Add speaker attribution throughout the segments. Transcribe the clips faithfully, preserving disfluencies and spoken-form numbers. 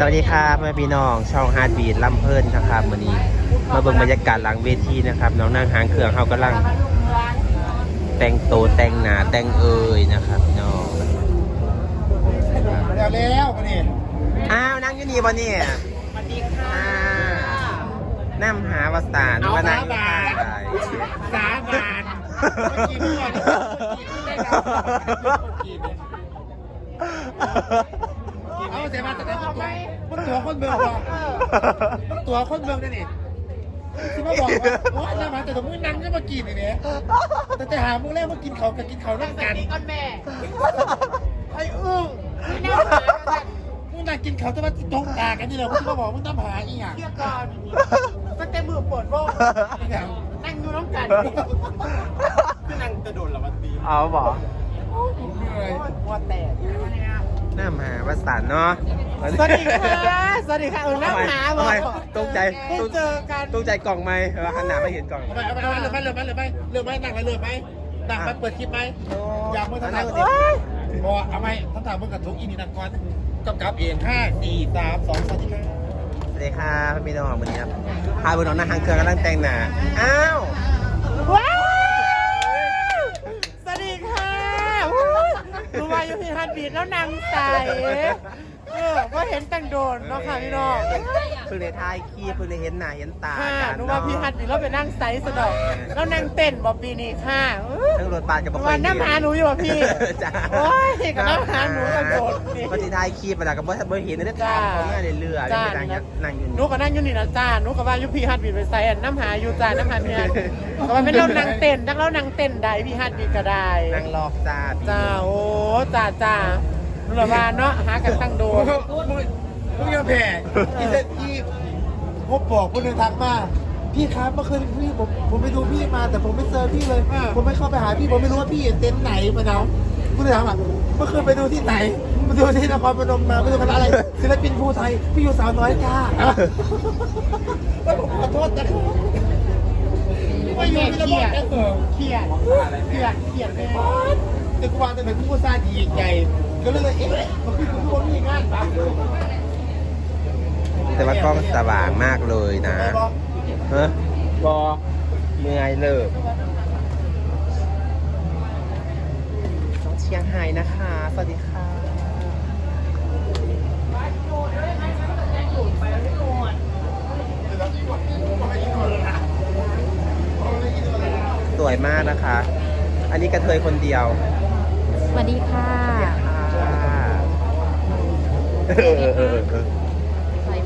Speaker 1: วัสดีครับแม่พี่น้องช่องฮาร์ดบีทลำเพลินนะครับวันนี้มาเบิ่งบรรยากาศหลังเวทีนะครับน้องนั่งหางเครื่องเขากำลังแต่งโตแต่งหนาแต่งเอ่ยนะครับพี่น้อง
Speaker 2: แล้วแล้วมาเนี่ย
Speaker 1: อ้าวนั่งอยู่นี่บ่เนี่ย
Speaker 2: สวัสดีค่ะ
Speaker 1: นั่งหาวสานว่านั่งอยู่ข้างใด
Speaker 2: สาบานกินก่อนกินได้กินเอาแต่มาแต่ไหนตัวมันตัวคนเมืองหรอมันตัวคนเมืองนั่นนี่ที่มาบอกว่าโอ้ยมาแต่ตัวมึงนั่งจะมากินเนี่ยแต่แต่หามึงแล้วมากินเขากับกินเขานั่งกันก้อนแม่ไอ้อึ้งมึงนั่งกินเขาจะมาตรงตากันนี่เลยมึงมาบอกมึงต้องหาอีหยังเชื่อก่อนตั้งแต่มือปวดบ้องนั่งดูน้ำกันคือนั่งกระโดดหรอวันตี
Speaker 1: เอาบอก
Speaker 2: หัวแตก
Speaker 1: น้ำหาวสานเนาะ
Speaker 2: สวัสดีค่ะสวัสดีค่ะเออน้ำหาบอก
Speaker 1: ตรงใจ
Speaker 2: เจอกัน
Speaker 1: ตรงใจกล่องไหมหันหน้าไม่เห็นกล่อง
Speaker 2: เอาไปเอาไปเอาไปเลือกไปเลือกไปเลือกไปเลือกไปนั่งไปเลือกไปนั่งไปเปิดคลิปไหมอยากมือทางไหนก็ได้พอเอาไหมทั้งทางมือกับทุกอินดีนักกรกำกับเองห้าสี่สามสองสวัสดีค่ะ
Speaker 1: สวัสดีค่ะพี่น้องวันนี้ครับพาบุญน้องนั่งหางเครื่องกำลังแต่งหน้าอ้าว
Speaker 2: ว้าวสวัสดีค่ะรู้ว่าอยู่ที่ฮันบีดแล้วนางใสเออก็เห็นแต่งโดนเนาะค่ะพี่น้อง
Speaker 1: เพิ่งเลยทายขี้เพิ่งเลยเห็นหน้าเห็นตา
Speaker 2: ค่ะรู้ว่าพี่ฮันบีดแล้วไปนั่งไซส์สะดอกแล้วนั่งเต้นบอบปีนี่ค่ะ
Speaker 1: ทั้งรถบัสกับบอก
Speaker 2: ว่าน้ำหาหนูอยู่ป่ะพี่
Speaker 1: จ้า
Speaker 2: โอ้ยกับน้ำหาหนูกระโดด
Speaker 1: ปฏิทายขี้ไปแล้วกับบ่เห็นได้ตามเขาง่ายเลยเรือจ้านั่งอยู่
Speaker 2: หนูก็นั่งอยู่นี่นะจ้าหนูก็ว่าอยู่พี่ฮันบีดไปไซส์น้ำหาอยู่จ้าน้ำหาเนี่ยก็ว่าเป็นเรานั่งเต้นนักเรานั่งเต้นได้พี่ฮันบีดก็ได้
Speaker 1: นั่งรอกจ้า
Speaker 2: จ้าโอ้จ้าจ้าหรือว่าเนาะหากันตั้งโดนมึงอย่าแผ่อีเซที่พบบอกคนหนึ่งทักมาพี่ครับเมื่อคืนพี่ผมผมไปดูพี่มาแต่ผมไม่เจอพี่เลยผมไม่เข้าไปหาพี่ผมไม่รู้ว่าพี่เต็นท์ไหนมาเนาะกูเลยถามว่าเมื่อคืนไปดูที่ไหนไปดูที่นครพนมมาไปดูคณะอะไรศิลปินภูไทยพี่อยู่สาวน้อยค่ะแล้วผมขอโทษนะไม่อยู่ที่ระบบนะเออเครียดเครียดเครียดเลยแต่กูวางแต่ไหนกูก็ซาดีใหญ่ก็เลยเอ๊ะมันคือคนมีงานปะ
Speaker 1: แต่ว่ากล้องสว่างมากเลยนะเฮ้ยบอเมื่อยเลิกเชียงไฮ้นะคะสวัสดีค่ะสวยมากนะคะ อันนี้กระเทยคนเดียว
Speaker 3: สวัสดีค่ะใส่ไหม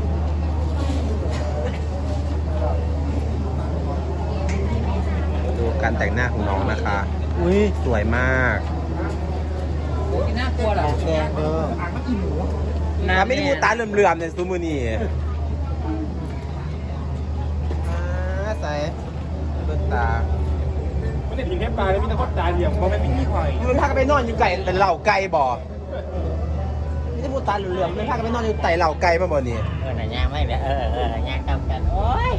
Speaker 1: ดูการแต่งหน้าของน้องนะคะอุ้ยสวยมาก
Speaker 2: น่ากลัวเหรอแดงเออ
Speaker 1: น้ำไม่ได้มูตาเหลื่อมๆเนี่ยซูมือนี่ใส่เบิ้ลตา
Speaker 2: ไม่ได้ยิงแค่ปลาเลยมีแต่คนตาเหลี่ยมเพราะไม่มีขี้ข่อย
Speaker 1: มันพากันไปนอนอยู่ไก่เป็นเหล่าไก่บ่ไม่ได้มูตาเหลื่อมๆมันพากันไปนอนอยู่ไต่เหล่าไก่มาบ่นี่
Speaker 3: เออหน่ายย่างไม่แบบเออเออหน่ายย่างทำกันโอ้ย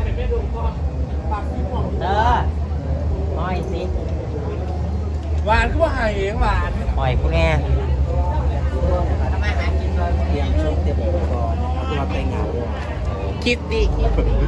Speaker 3: เอออ้อยสิ
Speaker 2: หวานก็ว่าหายเองหวาน
Speaker 3: อ้อยพวกแง่ทำไมหากินเลยเรียงชุบเดี๋ยวผมก่อนเอาตัวไปเหงาด้วย
Speaker 2: คิดดิคิดดิ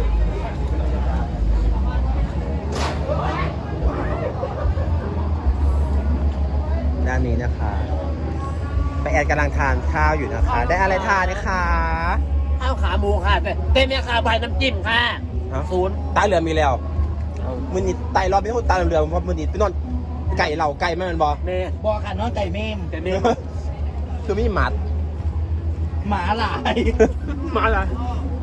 Speaker 1: ด้านนี้นะคะไปแอดกำลังทานข้าวอยู่นะคะได้อะไรทานนะคะ
Speaker 2: ข้าวขาหมูค่ะแต่เต้นเนี่ยค่ะใบน้ำจิ้มค่ะศูนย์
Speaker 1: ตาเหลือมีแล้วมือนี่ไตรอบไม่คนตาเหลือเพราะมือนี่ไปนอนไก่เหล่าไก่ไม่มันบอ
Speaker 2: เมย์บอค่ะน้องไก่เมมแต่เมม
Speaker 1: คือมีหมัด
Speaker 2: หมาหลายหมาหลาย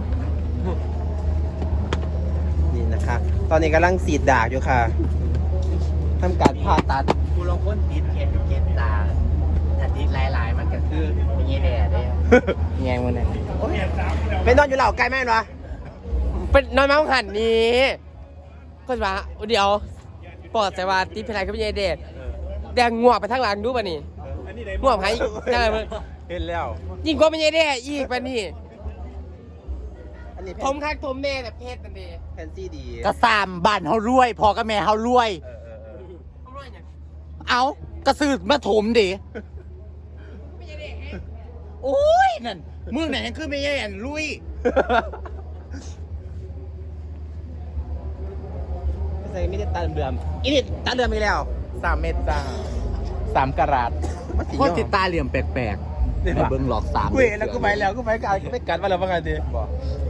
Speaker 1: นี่นะคะตอนนี้กำลังสีดดากอยู่ค่ะทำการผ่าตัด
Speaker 3: กูลองค้นติดเข็ดเข็ดตาถ้าติดหลายๆมันก็คือมีเงี้ยแดดเลยแง่มันเนี่ย
Speaker 1: เป็นนอนอยู่เหล่าไก่แม่นวะ
Speaker 2: เป็นนอนมาหันนี้ก็จะมาเดี๋ยวปอดใส่ว่าติดเพลายก็มีเงี้ยแดดแดงงัวไปทางหลังดูป่ะนี่งัวหายได้เลย
Speaker 1: เห็นแล้ว
Speaker 2: ยิ่งกว่ามีเงี้ยแดดอีกป่ะนี่ผมคักผมแม่แต่เพศนั่นเอง
Speaker 1: แพนซี่ดี
Speaker 2: กระซามบ้านเขารวยพอกับแม่เขารวยเอากระสือมาถมดิ
Speaker 3: โอ้ยนั่นมึงไหนยังขึ้นไม่ใช่อันลุย
Speaker 1: ไม่ใช่ไม่ได้ตาเดือมๆอีนี่ตาเดือมอีกแล้ว
Speaker 3: สามเม็ดจ้าสามกะรัต
Speaker 1: มันสิ
Speaker 3: โคตรติดตาเหลี่ยมแปลกๆในเบิ้งหลอกสาม
Speaker 1: กูเห็นแล้วกูไปแล้วกูไปกันไม่กัดมาแล้วว่าไงดี
Speaker 3: บอก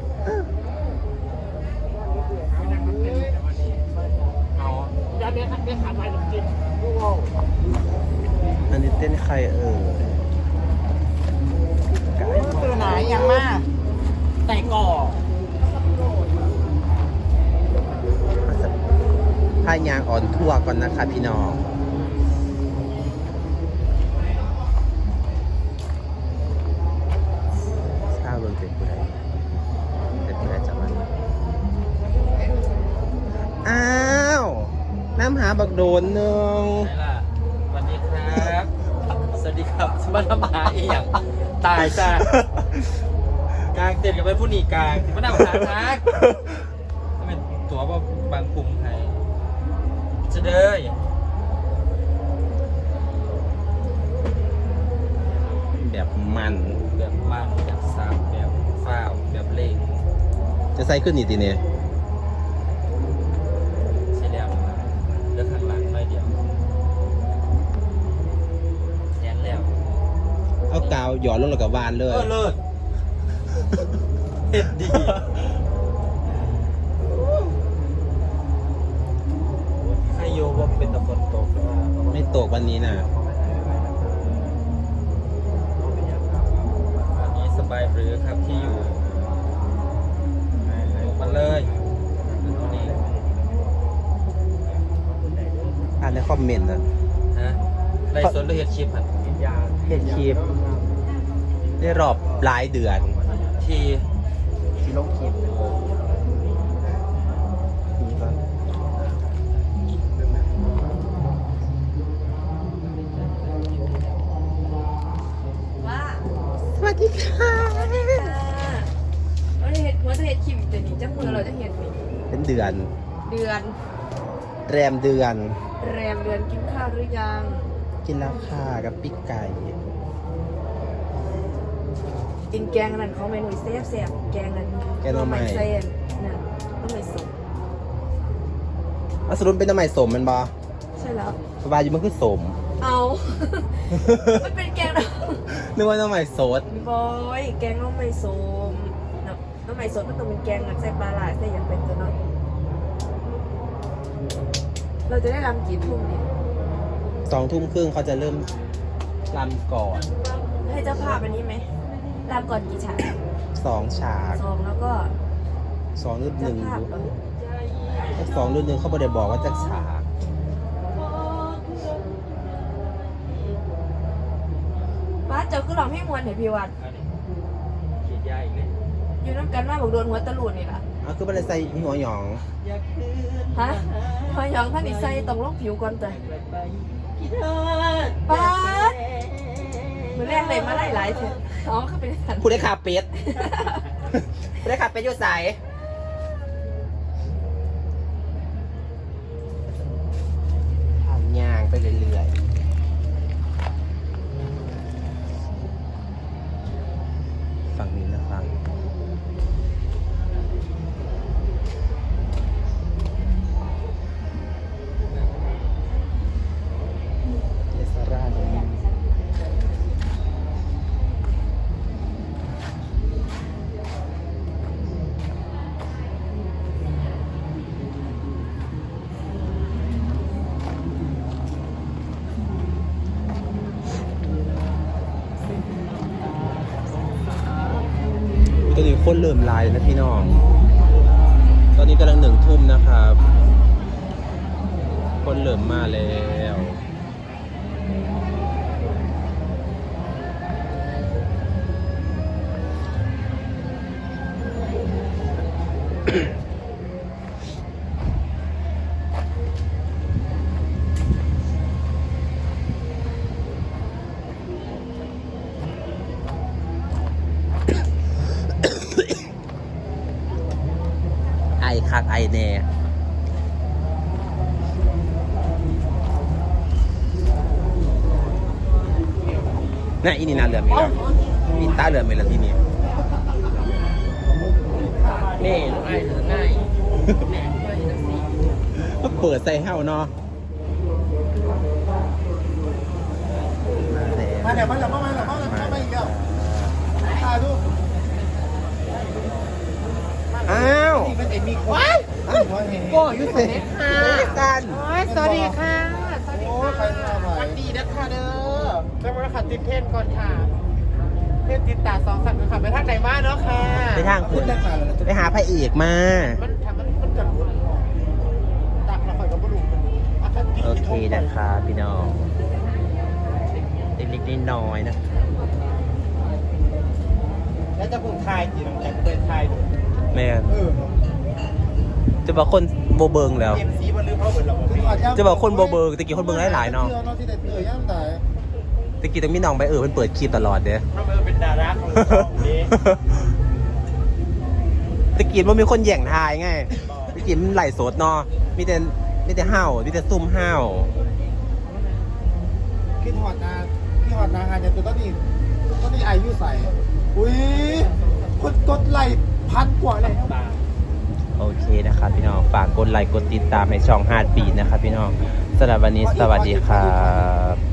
Speaker 3: เอาอย่าเบี้ยขัดเบี้ยขาดไปจริงๆกูว่า
Speaker 1: อันนี้เต้นใครเออ
Speaker 3: ตื่นไหนยังมากใส่ก่อ
Speaker 1: พายางอ่อนทั่วก่อนนะคะพี่น้องทราบเรื่องเป็นผู้ใดเป็นผู้ใดจะมาอ้าวน้ำหาบักโดนหนึ่ง
Speaker 4: ไหนล่ะสวัสดีครับ สวัสดีครับมาทำหาอีกอย่างตายจ้ากลางเต็นท์กับไปผู้หนีกลางมาทำหาทักถ้าเป็นตัวว่าบางกลุ่มไทยจะเด้ย
Speaker 1: แบบมัน
Speaker 4: แบบมันแบบซาบแบบฟ้าวแบบเล่ง
Speaker 1: จะใส่ขึ้นอีกทีเนี่ย
Speaker 4: ใช่แล้วเลือกข้างหลังไม่เดียวแย่แล้ว
Speaker 1: เอากาวหยอดลงแล้วกับวานเล
Speaker 4: เอย อเลิศเฮ็ดดีให้โยว่าเป็นตะฝนตกหรือว่า
Speaker 1: ไม่ตกวันนี้นะ
Speaker 4: วันนี้สบายหรือครับที่อยู่ลงมาเลยตรงนี้
Speaker 1: อ่านในคอมเมนต์นะ
Speaker 4: ฮะไล่สวนหรือเห็ดชิปอ่ะ
Speaker 1: เห็นคลิปได้รอบหลายเดือน
Speaker 4: ที
Speaker 3: ที่ลงคลิป
Speaker 1: นี่ก็
Speaker 5: ว่า
Speaker 1: สวัสดีค่ะ
Speaker 5: เราจะเห็นว่าจะเห็นคิมแต่นี่จะมือเราจะเห็นไหม
Speaker 1: เป็นเดือน
Speaker 5: เดือน
Speaker 1: แรมเดือน
Speaker 5: แรมเดือนกินข้าวหรือยัง
Speaker 1: กินแล้วค่ะกับปิ๊กไก่
Speaker 5: กินแกงนั่นเขาเมนูแซ่บแซ่บๆแกงนั่น
Speaker 1: แกงหน่อไม้
Speaker 5: เส้นน่ะต้องไม่สุก
Speaker 1: เอาสรุปเป็นน้ำใหม่สมมันบอ
Speaker 5: ใช่แล้ว
Speaker 1: สบายอยู่มันคือสม
Speaker 5: เอา มันเป็นแกงน้
Speaker 1: นึกว่าน้ำใหม่สด
Speaker 5: ำบอยแกงน้ำไม่ส้มน้ำน้ำไม่ส้มมันต้องเป็นแกงแบบใส่ปลาหลายใส่อย่างเป็นตัวเน้อยเราจะได้รำกี่ทุ่มเนี่ย
Speaker 1: สองทุ่มครึ่งเขาจะเริ่มรำก่อน
Speaker 5: ให้เจ้าภาพอันนี้ไหมรำก่อนกี่ฉาก
Speaker 1: สองฉาก
Speaker 5: สองแล้วก็
Speaker 1: สองรุ่นห
Speaker 5: เจ้า
Speaker 1: นึ่ง
Speaker 5: ภาพเหรอ
Speaker 1: สองรุ่นหนึ่งเขาไม่ได้บอกว่าจะฉาก
Speaker 5: บ้านเจ้าคือหลอกให้มวลเห็นพี่วัด
Speaker 4: อันนี้ขีดยาอีกเลย
Speaker 5: อยู่น้ำกันมากบอกโดนหัวตะลุนนี่ล่ะ
Speaker 1: เอาคือไม่ได้ใส่หัวหยอง
Speaker 5: ฮะพอยองท่านอีใส่ต้องลงผิวก่อนแต่ป้าดมือแรกเลยมาไล่หลายเถอะอ๋อเขาเป็นสัน
Speaker 1: ผู้ได้ขาเป็ด ผู้ได้ขาเป็ดอยู่ใสทางย่างไปเรื่อยๆ ฝั่งนี้นะครับ เยสราตรงนี้ตอนนี้คนเริ่มไลน์นะพี่น้อง ตอนนี้กำลังหนึ่งทุ่มนะครับ คนเริ่มมาแล้ว ไอคักไอแน่น่ะอีนี่นาเหลือมอีกแล้วมีตาเหลือไหมล่ะที่นี่
Speaker 3: นี่ลูกไอ้เหลือง่าย
Speaker 1: ก็เปิดใส่เฮาเนาะ
Speaker 2: มาเดี๋ยวมาเดี๋ยวมาเดี๋ยวมาเดี๋ยวมาอีกแล้วถ่ายรูป
Speaker 1: อ้าว
Speaker 2: นี่มันจะมีคนว้ายโก้ยุทธเสนค่ะ
Speaker 1: กัน
Speaker 2: สวัสดีค่ะสวัสดีค่ะสวัสดีนะคะเด้อเจ้ามาขัดติดเทนก่อนค่ะเทนติดตาสองสัตว์ค่ะไปทางไหนมาเนาะค่ะ
Speaker 1: ไปทางคุณไปหาพระเอกมา
Speaker 2: มันทำมันมันจัดตักเราคอยกับบุรุษ
Speaker 1: โอเคนะครับพี่น้องเล็กๆน้อยๆนะ
Speaker 2: แล้วจะพูดไทยจีนแต่เคยไทย
Speaker 1: แม่น
Speaker 2: เออ
Speaker 1: จะบอกคนโบเบิงแล้ว
Speaker 2: เอ็มซีมันลืมเขาเหมือนเรา
Speaker 1: จะบอกคนโบเบิงตะกี้คนเบิงหลายๆเนาะ
Speaker 2: ที่แต่เออย่ำแต่
Speaker 1: ตะกี้ต้องมีน้องไปเออมันเปิดคลิปตลอดเด้อ
Speaker 2: เราเป็นดาราของช่องนี้
Speaker 1: ตะกี้มันมีคนแย่งทายไงตะกี้มันไหลโสดเนาะมีแต่มีแต่ห้าวมีแต่ซุ่มห้าว
Speaker 2: คิดหอดนาคิดหอดนาฮานจะตัวต้นนี้ต้นนี้อายุใส่อุ้ยคนกดไลค์พันกว่าเลย
Speaker 1: โอเคนะครับพี่น้องฝากกดไลค์กดติดตามให้ช่องฮาร์ดบีทนะครับพี่น้องสำหรับวันนี้สวัสดีครับ